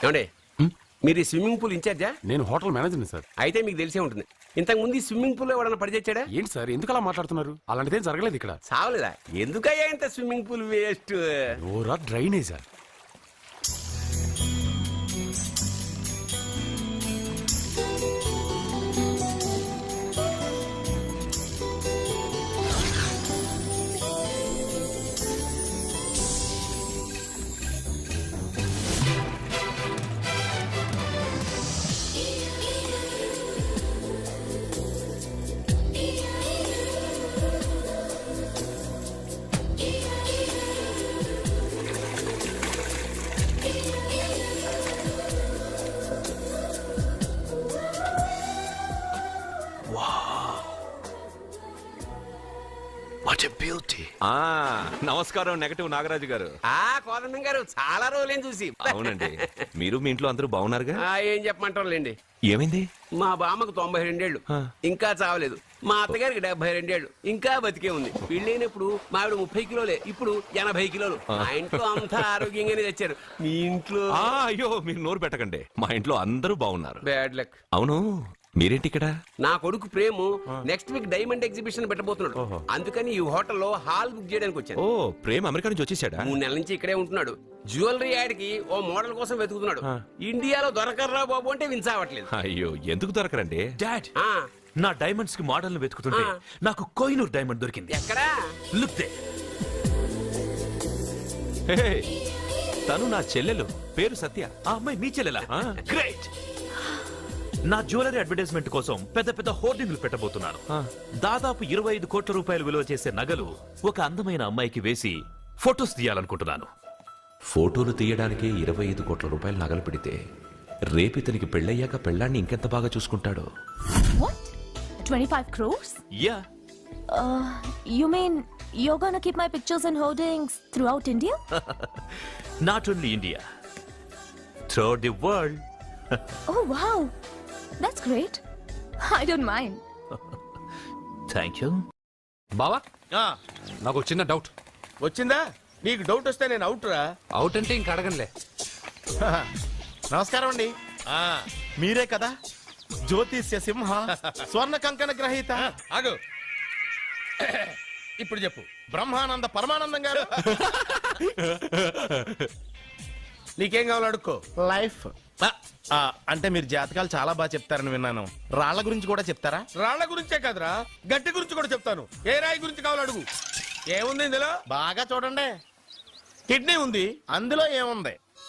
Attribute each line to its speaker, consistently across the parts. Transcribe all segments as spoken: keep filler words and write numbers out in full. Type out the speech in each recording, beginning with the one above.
Speaker 1: ఏమండి మీరు ఈ స్విమ్మింగ్ పూల్ ఇన్ఛార్జా?
Speaker 2: నేను హోటల్ మేనేజర్ని సార్.
Speaker 1: అయితే మీకు తెలిసే ఉంటుంది. ఇంతకు ముందు ఈ స్విమ్మింగ్ పూల్ ఎవడన్నా పడిచేచ్చాడా?
Speaker 2: ఏంటి సార్ ఎందుకు అలా మాట్లాడుతున్నారు? అలాంటిదేం జరగలేదు ఇక్కడ.
Speaker 1: సావలేదా? ఎందుకయ్యా ఇంత స్విమ్మింగ్ పూల్ వేస్ట్?
Speaker 2: ఓరా డ్రైనేజా?
Speaker 3: నమస్కారం నెగటివ్ నాగరాజు గారు.
Speaker 1: ఆ కోదండం గారు చాలా రోజులేం చూసి.
Speaker 3: అవునండి, మీరు మీ ఇంట్లో అందరూ బాగున్నారుగా?
Speaker 1: ఏం చెప్పమంటారులేండి.
Speaker 3: ఏమైంది?
Speaker 1: మా బామ్మకు తొంభై రెండేళ్లు ఇంకా చావలేదు. మా అత్తగారికి డెబ్బై రెండేళ్లు ఇంకా బతికే ఉంది. పెళ్ళైనప్పుడు మా ఆవిడ ముప్పై కిలోలే, ఇప్పుడు ఎనభై కిలోలు. మా ఇంట్లో అంతా ఆరోగ్యంగానే తెచ్చారు. మీ ఇంట్లో?
Speaker 3: అయ్యో మీరు నోరు పెట్టకండి, మా ఇంట్లో అందరూ బాగున్నారు.
Speaker 1: Bad luck.
Speaker 3: అవును, మీరేంటి ఇక్కడ?
Speaker 1: నా కొడుకు Prem next week diamond exhibition పెట్టబోతున్నాడు. అందుకని ఈ హోటల్లో హాల్ బుక్ చేయడానికి వచ్చాను.
Speaker 3: ఓ ప్రేమ్ అమెరికా నుంచి వచ్చేసాడా?
Speaker 1: మూడు నెలల నుంచి ఇక్కడే ఉంటున్నాడు. జ్యువెలరీ యాడ్కి ఓ మోడల్ కోసం వెతుకుతున్నాడు. ఇండియాలో దొరకర్రా బాబు అంటే విన్సావట్లేదు.
Speaker 3: అయ్యో ఎందుకు దొరకరండి?
Speaker 4: డాడ్, నా డైమండ్స్ కి మోడల్ వెతుకుతుంటే నాకు కోహినూర్ డైమండ్ దొరికింది.
Speaker 1: ఎక్కడా?
Speaker 4: Look they.
Speaker 3: హే, తను నా చెల్లెలు, పేరు సత్య.
Speaker 4: ఆ అమ్మాయి మీ చెల్లెలా? గ్రేట్. నా జ్యువెలరీ అడ్వర్టైజ్మెంట్ కోసం పెద్ద పెద్ద హోర్డింగ్లు పెట్టబోతున్నాను. దాదాపు ఇరవై ఐదు కోట్ల రూపాయలు విలువ చేసే నగలు ఒక అందమైన అమ్మాయికి వేసి ఫొటోస్ తీయాలనుకుంటున్నాను.
Speaker 3: ఫోటోలు తీయడానికే ఇరవై ఐదు కోట్ల రూపాయలు నగలు పెడితే రేపు ఇతనికి పెళ్ళయ్యాక పెళ్ళాన్ని ఇంకెంత బాగా చూసుకుంటాడో.
Speaker 5: What? twenty-five crores?
Speaker 4: Yeah.
Speaker 5: Uh, you mean you're gonna keep my pictures and hoardings throughout India?
Speaker 4: Not only India, throughout the world.
Speaker 5: Oh wow, that's great. I don't mind.
Speaker 4: Thank you.
Speaker 2: బావా, నాకు చిన్న doubt
Speaker 1: వచ్చిందా? నీకు doubt వస్తే నేను out రా.
Speaker 2: Out అంటే ఇంక అడగనులే.
Speaker 6: నమస్కారం అండి. మీరే కదా జ్యోతిష్య సింహ స్వర్ణ కంకణ గ్రహీత?
Speaker 1: ఆగు, ఇప్పుడు చెప్పు.
Speaker 6: బ్రహ్మానంద పరమానందం గారు.
Speaker 1: నీకేం కావాలో అడుక్కో.
Speaker 6: లైఫ్ అంటే మీరు జాతకాలు చాలా బాగా చెప్తారని విన్నాను. రాళ్ల గురించి కూడా చెప్తారా?
Speaker 1: రాళ్ల గురించే కదరా, గట్టి గురించి కూడా చెప్తాను. ఏ రాయి గురించి కావాలో అడుగు. ఏముంది ఇందులో?
Speaker 6: బాగా చూడండి.
Speaker 1: కిడ్నీ ఉంది.
Speaker 6: అందులో ఏముంది?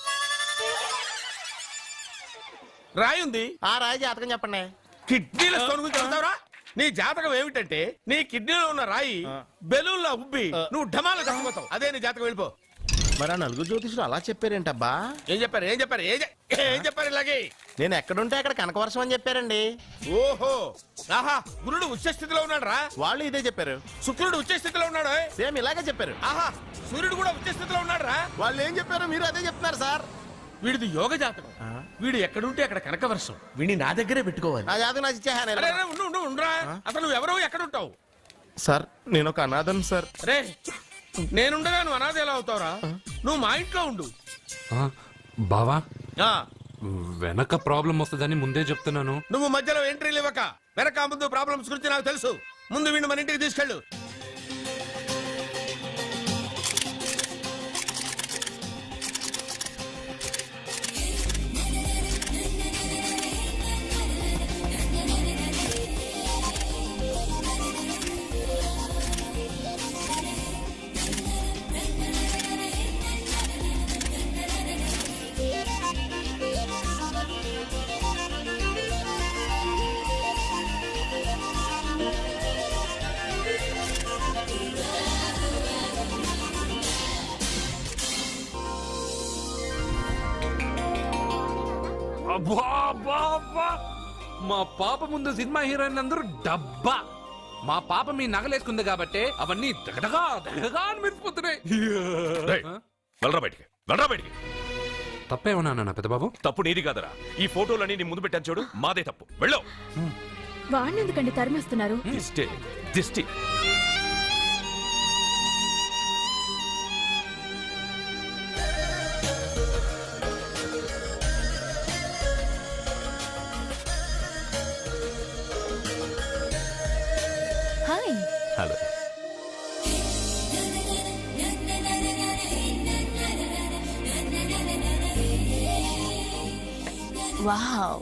Speaker 1: రాయి ఉంది.
Speaker 6: ఆ రాయి జాతకం చెప్పండి.
Speaker 1: కిడ్నీల స్టోన్ గురించి చెప్తావురా? నీ జాతకం ఏమిటంటే నీ కిడ్నీలో ఉన్న రాయి బెలూన్లా ఉబ్బి నువ్వు ఢమాల చచ్చిపోతావు. అదే నీ జాతకం. వెళ్ళిపో.
Speaker 6: మరి ఆ నలుగురు జ్యోతిషులు అలా చెప్పారేంటబ్బా?
Speaker 1: ఏం చెప్పారు? ఏం చెప్పారు? ఏం చెప్పారు? ఇలాగే
Speaker 6: నేను ఎక్కడుంటే అక్కడ కనకవర్షం అని చెప్పారండి.
Speaker 1: ఓహో, ఆహా, గురుడు ఉచ్చ స్థితిలో ఉన్నాడు రా.
Speaker 6: వాళ్ళు ఇదే చెప్పారు.
Speaker 1: శుక్రుడు ఉచ్చ స్థితిలో ఉన్నాడు.
Speaker 6: సేమ్ ఇలాగే చెప్పారు.
Speaker 1: ఆహా, సూర్యుడు కూడా ఉచ్చ స్థితిలో ఉన్నాడు రా.
Speaker 6: వాళ్ళు ఏం చెప్పారు మీరు అదే చెప్తున్నారు సార్.
Speaker 1: వీడిది యోగ జాతకం. వీడు ఎక్కడుంటే అక్కడ కనకవర్షం. వీడిని నా దగ్గరే పెట్టుకోవాలి.
Speaker 6: ఆ జాతకం నాకు ఇచ్చేహాను.
Speaker 1: ఉండరా, అసలు నువ్వు ఎవరో ఎక్కడుంటావు?
Speaker 6: సార్ నేను ఒక అనాథం సార్.
Speaker 1: రే, నేనుండగా నువ్వు అనాథ ఎలా అవుతావురా? నువ్వు మా ఇంట్లో ఉండు.
Speaker 2: బావా, వెనక ప్రాబ్లం వస్తుందని ముందే చెప్తున్నాను.
Speaker 1: నువ్వు మధ్యలో ఎంట్రీలు ఇవ్వక. వెనక ముందు ప్రాబ్లమ్స్ గురించి నాకు తెలుసు. ముందు వీడిని మన ఇంటికి తీసుకెళ్ళు.
Speaker 2: మా పాప ముందు సినిమా హీరోయిన్ అందరూ డబ్బా. మా పాప మీ నగలేసుకుంది కాబట్టి అవన్నీ దగదగా దగదగా అని మెరిసిపోతున్నాయి.
Speaker 3: వెళ్ళరా బయటికి, వెళ్ళరా బయటికి.
Speaker 2: తప్పేమన్నా నా పెద్ద బాబు?
Speaker 3: తప్పు నీది కాదరా. ఈ ఫోటోలన్నీ నీ ముందు పెట్టాను చూడు, మాదే తప్పు. వెళ్ళు.
Speaker 5: వాడిని ఎందుకండి తరిమేస్తున్నారు?
Speaker 3: దిష్టి దిష్టి.
Speaker 5: Wow,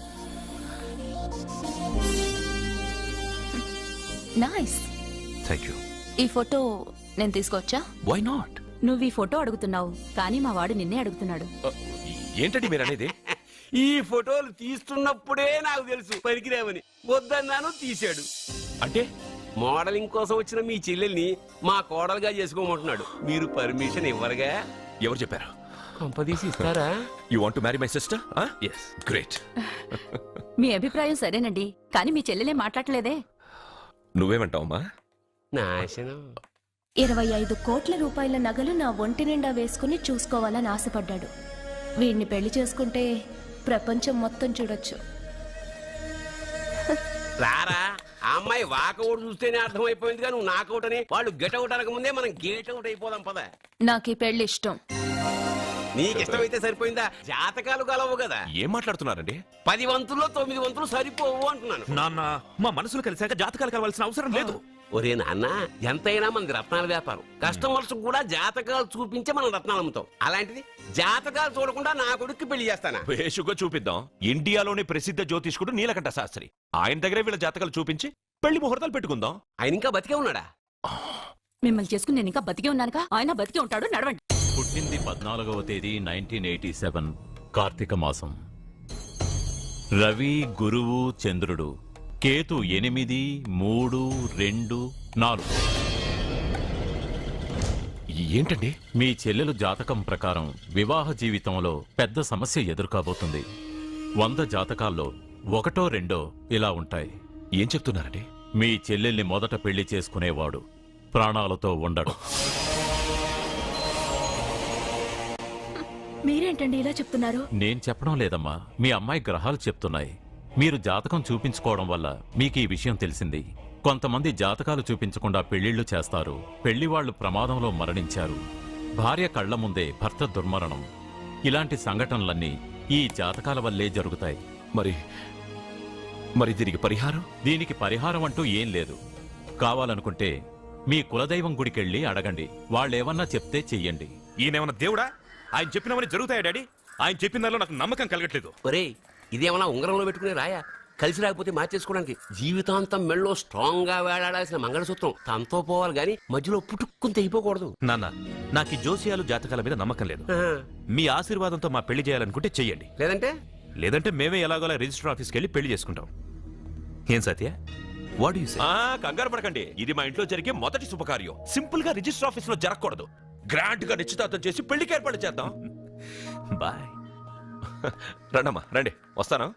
Speaker 5: nice.
Speaker 3: Thank you.
Speaker 5: ఈ ఫోటో నేను తీసుకొచ్చా?
Speaker 3: Why not?
Speaker 7: నువ్వు ఈ ఫోటో అడుగుతున్నావు కానీ మా వాడు నిన్నే అడుగుతున్నాడు.
Speaker 3: ఏంటండి మీరు అనేది?
Speaker 1: ఈ ఫోటోలు తీస్తున్నప్పుడే నాకు తెలుసు పనికిరావని. వద్దన్నాను, తీశాడు.
Speaker 3: అంటే
Speaker 1: మోడలింగ్ కోసం వచ్చిన మీ చెల్లెల్ని మా కోడలుగా చేసుకోమంటున్నాడు. మీరు పర్మిషన్ ఇవ్వరుగా?
Speaker 3: ఎవరు చెప్పారు?
Speaker 1: కంపదీసి ఇస్తారా?
Speaker 3: You want to marry my sister?
Speaker 1: Yes.
Speaker 3: Great.
Speaker 7: మీ అభిప్రాయం సరేనండి కానీ మీ చెల్లెలే మాట్లాడలేదే.
Speaker 3: నువ్వేమంటావమ్మా?
Speaker 1: నాశనం.
Speaker 5: ఇరవై ఐదు కోట్ల రూపాయల నగలు నా ఒంటి నిండా వేసుకుని చూసుకోవాలని ఆశపడ్డాడు. వీడిని పెళ్లి చేసుకుంటే ప్రపంచం మొత్తం చూడొచ్చు.
Speaker 1: రారా, ఆ అమ్మాయి వాకౌట్ చూస్తేనే అర్థమైపోయింది. కానీ నువ్వు నాకౌట్ అని, వాళ్ళు గెటౌట్ అనక ముందే మనం గేట్ అవుట్ అయిపోదాం పద.
Speaker 5: నాకు ఈ పెళ్లి ఇష్టం.
Speaker 1: నీకు ఇష్టమైతే సరిపోయిందా? జాతకాలు కలవు కదా.
Speaker 3: ఏం మాట్లాడుతున్నారండి?
Speaker 1: పది వంతుల్లో తొమ్మిది వంతులు సరిపోవు అంటున్నాను.
Speaker 4: నాన్న, మా మనసులు కలిసాక జాతకాలు కలవాల్సిన అవసరం లేదు.
Speaker 1: ఒరే నాన్న, ఎంతైనా మనది రత్నాల వ్యాపారం. కస్టమర్స్ కూడా జాతకాలు చూపించే మనం రత్నాలు అమ్ముతాం. అలాంటిది జాతకాలు చూడకుండా నా కొడుక్కి పెళ్లి చేస్తానా?
Speaker 3: వేషుగా చూపిద్దాం. ఇండియాలోని ప్రసిద్ధ జ్యోతిష్కుడు నీలకంఠ శాస్త్రి, ఆయన దగ్గరే వీళ్ళ జాతకాలు చూపించి పెళ్లి ముహూర్తాలు పెట్టుకుందాం.
Speaker 1: ఆయన ఇంకా బతికే ఉన్నాడా?
Speaker 7: మిమ్మల్ని చేసుకుని నేను ఇంకా బతికే ఉన్నానుగా. ఆయన బతికే ఉంటాడు, నడవండి.
Speaker 8: పుట్టింది పద్నాలుగవ తేదీ నైన్టీన్ ఎయిటీ సెవెన్ కార్తీక మాసం. రవి, గురువు, చంద్రుడు. కేతు ఎనిమిది, మూడు, రెండు, నాలుగు.
Speaker 3: ఏంటండి?
Speaker 8: మీ చెల్లెలు జాతకం ప్రకారం వివాహ జీవితంలో పెద్ద సమస్య ఎదుర్కోబోతుంది. వంద జాతకాల్లో ఒకటో రెండో ఇలా ఉంటాయి.
Speaker 3: ఏం చెప్తున్నారండి?
Speaker 8: మీ చెల్లెల్ని మొదట పెళ్లి చేసుకునేవాడు ప్రాణాలతో ఉండడు.
Speaker 5: మీరేంటండి ఇలా చెప్తున్నారు?
Speaker 8: నేను చెప్పడం లేదమ్మా, మీ అమ్మాయి గ్రహాలు చెప్తున్నాయి. మీరు జాతకం చూపించుకోవడం వల్ల మీకు ఈ విషయం తెలిసింది. కొంతమంది జాతకాలు చూపించకుండా పెళ్లిళ్లు చేస్తారు. పెళ్లి వాళ్లు ప్రమాదంలో మరణించారు. భార్య కళ్ల ముందే భర్త దుర్మరణం. ఇలాంటి సంఘటనలన్నీ ఈ జాతకాల వల్లే జరుగుతాయి.
Speaker 3: మరి మరి దీనికి పరిహారం?
Speaker 8: దీనికి పరిహారం అంటూ ఏం లేదు. కావాలనుకుంటే మీ కులదైవం గుడికెళ్ళి అడగండి. వాళ్ళేమన్నా చెప్తే చెయ్యండి.
Speaker 4: ఈయనేమన్నా దేవుడా? ఆయన చెప్పినవన్నీ జరుగుతాయా డాడీ? ఆయన చెప్పిన దానిలో నాకు నమ్మకం కలగట్లేదు.
Speaker 1: ఒరే, ఇదేమన్నా ఉంగరంలో పెట్టుకునే రాయా? కలిసి రాకపోతే మార్చేసుకోవడానికి. జీవితాంతం మెళ్ళో స్ట్రాంగ్ గా వేలాడాల్సిన మంగళసూత్రం తనతో పోవాలి గాని మధ్యలో పుట్టుక్కుని తెగిపోకూడదు.
Speaker 4: నాన్న, నాకు ఈ జోసియాలు జాతకాల మీద నమ్మకం లేదు. మీ ఆశీర్వాదంతో మా పెళ్లి చేయాలనుకుంటే చెయ్యండి.
Speaker 1: లేదంటే
Speaker 4: లేదంటే మేమే ఎలాగోలా రిజిస్టర్ ఆఫీస్కి వెళ్ళి పెళ్లి చేసుకుంటాం. ఏం సత్య? What you say?
Speaker 3: ఆ కంగారు పడకండి. ఇది మా ఇంట్లో జరిగే మొదటి శుభకార్యం. సింపుల్ గా రిజిస్టర్ ఆఫీస్ లో జరగకూడదు. గ్రాండ్ గా నిశ్చితార్థం చేసి పెళ్లికి ఏర్పాటు చేద్దాం.
Speaker 4: బాయ్.
Speaker 3: రండమ్మా, రండి, వస్తాను.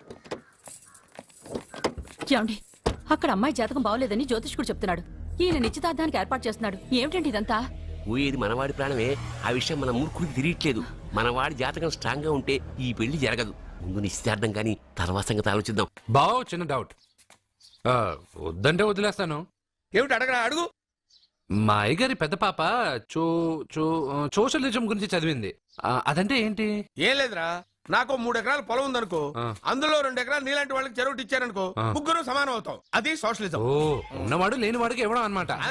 Speaker 7: ఏమండి, అక్కడ అమ్మాయి జాతకం బాగోలేదని జ్యోతిష్కుడు చెప్తున్నాడు. ఈయన నిశ్చితార్థానికి ఏర్పాటు చేస్తున్నాడు. ఏమిటండి ఇదంతా?
Speaker 1: ఊయేది మనవాడి ప్రాణమే. ఆ విషయం మన మూర్ఖుడికి తిరియట్లేదు. మనవాడి జాతకం స్ట్రాంగ్ గా ఉంటే ఈ పెళ్లి జరగదు. ముందు నిశ్చితార్థం కానీ తర్వాత సంగతి ఆలోచిద్దాం.
Speaker 2: బావ్, చిన్న డౌట్. ఆ, వద్దంటే వదిలేస్తాను.
Speaker 6: ఏమిటి అడగరా? అడుగు.
Speaker 2: మా అయ్యగారి పెద్ద పాప చో చో సోషలిజం గురించి చదివింది. ఆ, అదంటే ఏంటి?
Speaker 6: ఏం లేదురా, నాకు మూడు ఎకరాల పొలం ఉందనుకో,
Speaker 2: ఆ.
Speaker 6: అందులో రెండు ఎకరాలు నీలాంటి వాళ్ళకి చెరువు ఇచ్చారనుకో,
Speaker 2: ఆ.
Speaker 6: ముగ్గురు సమానం అవుతాం. అది సోషలిజం.
Speaker 2: ఓ, ఉన్నవాడు లేనివాడికి ఇవ్వడం అన్నమాట.